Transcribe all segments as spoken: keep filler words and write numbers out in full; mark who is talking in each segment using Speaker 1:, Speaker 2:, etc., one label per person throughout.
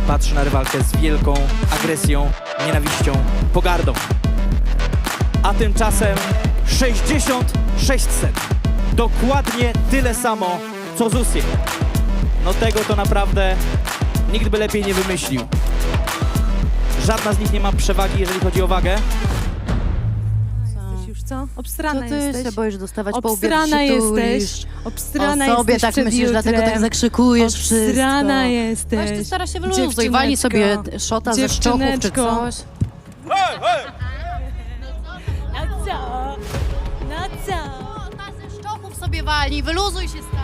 Speaker 1: patrzy na rywalkę z wielką agresją, nienawiścią, pogardą. A tymczasem sześćdziesiąt sześćset. Dokładnie tyle samo, co Zusie. No tego to naprawdę nikt by lepiej nie wymyślił. Żadna z nich nie ma przewagi, jeżeli chodzi o wagę.
Speaker 2: Jesteś już co?
Speaker 3: Co
Speaker 2: Obstrana
Speaker 3: ty
Speaker 2: jesteś.
Speaker 3: się boisz dostawać po łbie,
Speaker 2: Obstrana
Speaker 3: jak się tulisz?
Speaker 2: jesteś. Obstrana
Speaker 3: O sobie
Speaker 2: jesteś
Speaker 3: tak
Speaker 2: przed
Speaker 3: myślisz, dlatego tak
Speaker 2: jutrem.
Speaker 3: zakrzykujesz wszystko.
Speaker 2: Obstrana jesteś.
Speaker 3: Weź ty stara się wyluzuj,
Speaker 2: Dziewczyneczko.
Speaker 3: walnij sobie szota ze szczochów czy
Speaker 2: Dziewczyneczko.
Speaker 3: coś.
Speaker 2: No co? No co?
Speaker 3: Szota ze szczochów sobie walnij, wyluzuj się stara.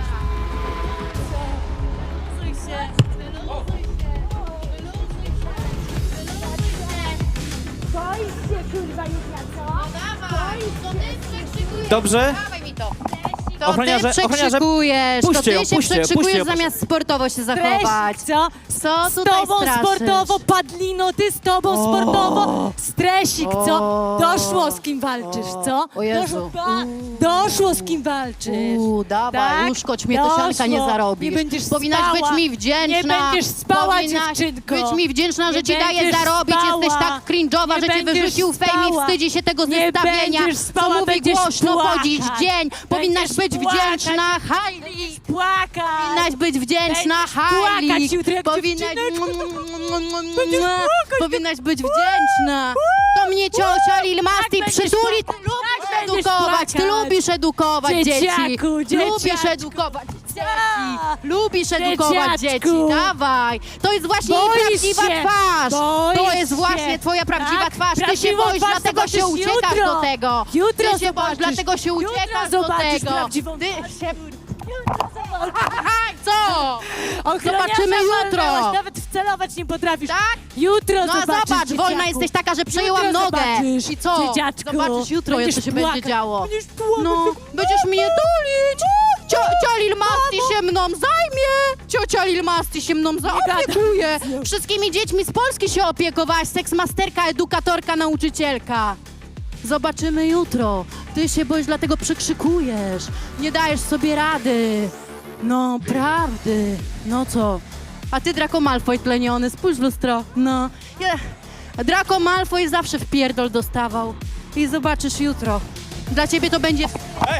Speaker 2: Wyluzuj się.
Speaker 3: Wyluzuj się, wyluzuj się, wyluzuj się.
Speaker 4: Boisz się, kurwa, Jutra, co?
Speaker 3: No dawaj, to ty przekrzykujesz.
Speaker 1: Dobrze.
Speaker 3: Dawaj mi to. To
Speaker 1: Ochroniarze,
Speaker 3: ty
Speaker 1: ochroniarze,
Speaker 3: przekrzykujesz,
Speaker 1: puśćcie
Speaker 3: to
Speaker 1: ją,
Speaker 3: ty się
Speaker 1: puśćcie,
Speaker 3: przekrzykujesz
Speaker 1: puśćcie ją,
Speaker 3: zamiast sportowo się zachować.
Speaker 2: Stresik, co?
Speaker 3: Co
Speaker 2: Z
Speaker 3: tutaj
Speaker 2: tobą
Speaker 3: straszysz?
Speaker 2: sportowo, Padlino, ty z tobą sportowo. Stresik, co?
Speaker 3: O.
Speaker 2: Doszło z kim walczysz, co?
Speaker 3: O Jezu.
Speaker 2: Doszło, pa, doszło z kim walczysz.
Speaker 3: Uuu, dawaj,
Speaker 2: Tak?
Speaker 3: uszkodź mnie, to sianka nie
Speaker 2: Doszło.
Speaker 3: zarobisz.
Speaker 2: Nie będziesz
Speaker 3: Powinnaś
Speaker 2: spała.
Speaker 3: być mi wdzięczna.
Speaker 2: Nie będziesz spała,
Speaker 3: Powinnaś
Speaker 2: dziewczynko.
Speaker 3: być mi wdzięczna, że
Speaker 2: Nie
Speaker 3: ci daję
Speaker 2: będziesz
Speaker 3: zarobić.
Speaker 2: spała.
Speaker 3: Jesteś tak cringe'owa,
Speaker 2: Nie
Speaker 3: że cię
Speaker 2: będziesz
Speaker 3: wyrzucił fame i
Speaker 2: spała.
Speaker 3: wstydzi się tego
Speaker 2: Nie
Speaker 3: zestawienia.
Speaker 2: będziesz spała,
Speaker 3: Co mówi
Speaker 2: będziesz
Speaker 3: głośno
Speaker 2: płakać.
Speaker 3: chodzić dzień. Powinnaś
Speaker 2: Będziesz
Speaker 3: być
Speaker 2: płakać.
Speaker 3: wdzięczna, Hailey.
Speaker 2: Płakać.
Speaker 3: Powinnaś być wdzięczna,
Speaker 2: Będziesz
Speaker 3: Hailey.
Speaker 2: płakać jutro jak
Speaker 3: Powinnaś...
Speaker 2: dziewczyneczko. Będziesz płakać.
Speaker 3: Powinnaś być wdzięczna. To mnie ciocia Lil Masti
Speaker 2: będziesz
Speaker 3: przytuli. Ty
Speaker 2: płakać.
Speaker 3: lubisz
Speaker 2: Tak będziesz
Speaker 3: edukować, ty
Speaker 2: płakać.
Speaker 3: lubisz edukować dzieci.
Speaker 2: Dzieciaku,
Speaker 3: Lubisz
Speaker 2: dzieciaczku.
Speaker 3: edukować dzieci.
Speaker 2: Tak.
Speaker 3: Lubisz edukować
Speaker 2: Dzieciaczku.
Speaker 3: dzieci. Dawaj. To jest właśnie jej
Speaker 2: Boisz
Speaker 3: prawdziwa
Speaker 2: się.
Speaker 3: twarz. To
Speaker 2: Boisz
Speaker 3: jest
Speaker 2: się.
Speaker 3: właśnie twoja prawdziwa
Speaker 2: Tak?
Speaker 3: twarz. Ty się
Speaker 2: Prawdziwą
Speaker 3: boisz,
Speaker 2: twarz
Speaker 3: dlatego się
Speaker 2: zobaczysz
Speaker 3: uciekasz
Speaker 2: jutro.
Speaker 3: do tego.
Speaker 2: Jutro
Speaker 3: Ty się boisz,
Speaker 2: zobaczysz.
Speaker 3: dlatego się
Speaker 2: Jutro
Speaker 3: uciekasz do
Speaker 2: zobaczysz
Speaker 3: tego.
Speaker 2: prawdziwą
Speaker 3: Ty
Speaker 2: twarz.
Speaker 3: się... Co?
Speaker 2: Ochroniarza
Speaker 3: Zobaczymy jutro.
Speaker 2: walnęłaś, nawet wcelować nie potrafisz.
Speaker 3: Tak?
Speaker 2: Jutro
Speaker 3: No a
Speaker 2: zobaczysz,
Speaker 3: zobacz, wolna
Speaker 2: dzieciaku.
Speaker 3: jesteś taka, że przejęłam
Speaker 2: Jutro
Speaker 3: nogę.
Speaker 2: zobaczysz,
Speaker 3: I co?
Speaker 2: dzieciaczku.
Speaker 3: Zobaczysz jutro,
Speaker 2: Będziesz
Speaker 3: co się
Speaker 2: płakać.
Speaker 3: będzie działo.
Speaker 2: Będziesz płakać.
Speaker 3: No, będziesz mnie tulić. Ciocia Lil Masti się mną zajmie. Ciocia Lil Masti się mną zaopiekuje. Wszystkimi dziećmi z Polski się opiekowałaś. Seksmasterka, edukatorka, nauczycielka. Zobaczymy jutro. Ty się boisz, dlatego przekrzykujesz. Nie dajesz sobie rady. No, prawdy. No co? A ty, Draco Malfoy tleniony, spójrz w lustro. No. Ja... Draco Malfoy zawsze w pierdol dostawał. I zobaczysz jutro. Dla ciebie to będzie...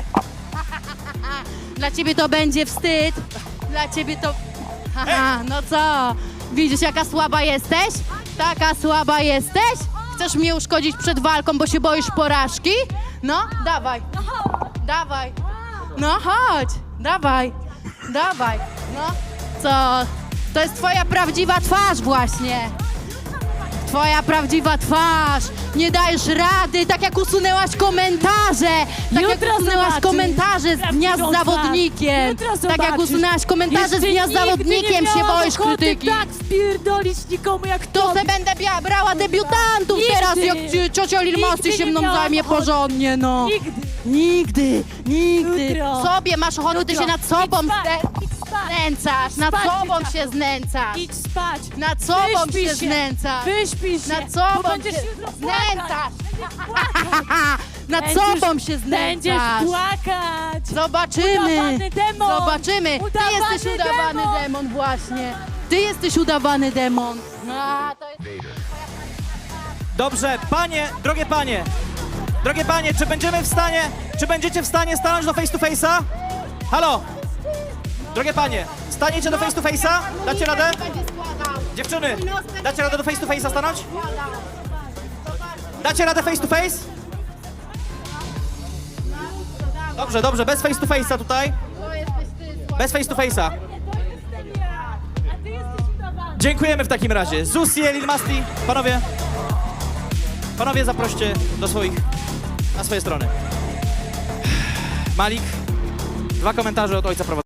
Speaker 3: Dla ciebie to będzie wstyd. Dla ciebie to... Haha, no co? Widzisz, jaka słaba jesteś? Taka słaba jesteś? Chcesz mnie uszkodzić przed walką, bo się boisz porażki? No, dawaj. Dawaj. No chodź. Dawaj. Dawaj. No. Co? To jest twoja prawdziwa twarz właśnie. Twoja prawdziwa twarz. Nie dajesz rady, tak jak usunęłaś komentarze. Tak jak
Speaker 2: Jutro
Speaker 3: usunęłaś
Speaker 2: zobaczysz
Speaker 3: komentarze z dnia z
Speaker 2: prawdziwą
Speaker 3: zawodnikiem.
Speaker 2: twarz. Jutro
Speaker 3: Tak jak
Speaker 2: zobaczysz.
Speaker 3: usunęłaś komentarze z
Speaker 2: Jeszcze
Speaker 3: dnia z
Speaker 2: nigdy
Speaker 3: zawodnikiem,
Speaker 2: nie
Speaker 3: się
Speaker 2: miałam
Speaker 3: boisz
Speaker 2: ochoty
Speaker 3: krytyki.
Speaker 2: tak wpierdolić nikomu jak
Speaker 3: To
Speaker 2: tobie.
Speaker 3: se będę bia- brała debiutantów
Speaker 2: Nigdy.
Speaker 3: teraz, jak ci- ciocia Lil Masti
Speaker 2: Nigdy
Speaker 3: się
Speaker 2: nie
Speaker 3: mną
Speaker 2: miałam
Speaker 3: zajmie
Speaker 2: ochoty.
Speaker 3: porządnie, no.
Speaker 2: Nigdy.
Speaker 3: Nigdy, nigdy.
Speaker 2: Jutro.
Speaker 3: Sobie masz ochotę, ty
Speaker 2: Jutro.
Speaker 3: się nad sobą
Speaker 2: Idź spać.
Speaker 3: zne-
Speaker 2: Idź spać.
Speaker 3: znęcasz, nad
Speaker 2: Spać,
Speaker 3: sobą
Speaker 2: dzieciaku.
Speaker 3: się znęcasz.
Speaker 2: Idź spać.
Speaker 3: Nad sobą
Speaker 2: Wyśpij
Speaker 3: się
Speaker 2: się.
Speaker 3: znęcasz.
Speaker 2: Wyśpij się.
Speaker 3: Nad
Speaker 2: bo
Speaker 3: sobą
Speaker 2: będziesz
Speaker 3: się
Speaker 2: jutro płakać.
Speaker 3: znęcasz.
Speaker 2: Płakać.
Speaker 3: Nad
Speaker 2: Będziesz-
Speaker 3: sobą się
Speaker 2: Będziesz
Speaker 3: znęcasz.
Speaker 2: płakać.
Speaker 3: Zobaczymy.
Speaker 2: Udawany demon.
Speaker 3: Zobaczymy. Ty
Speaker 2: Udawany
Speaker 3: jesteś udawany
Speaker 2: demon.
Speaker 3: demon właśnie. Ty jesteś udawany demon. A, to jest...
Speaker 1: Dobrze, panie, drogie panie, drogie panie, czy będziemy w stanie, czy będziecie w stanie stanąć do face to face'a? Halo? Drogie panie, staniecie do face to face'a? Dacie radę?
Speaker 3: Będzie składał.
Speaker 1: Dziewczyny, dacie radę do face to face'a stanąć? Dacie radę face to face? Dobrze, dobrze, bez face to face'a tutaj.
Speaker 3: To jesteś ty.
Speaker 1: Bez face to face'a.
Speaker 2: A ty jesteś udawany.
Speaker 1: Dziękujemy w takim razie. Zusie, Lil Masti, panowie. Panowie, zaproście do swoich, na swoje strony. Malik, dwa komentarze od ojca prowadzącego.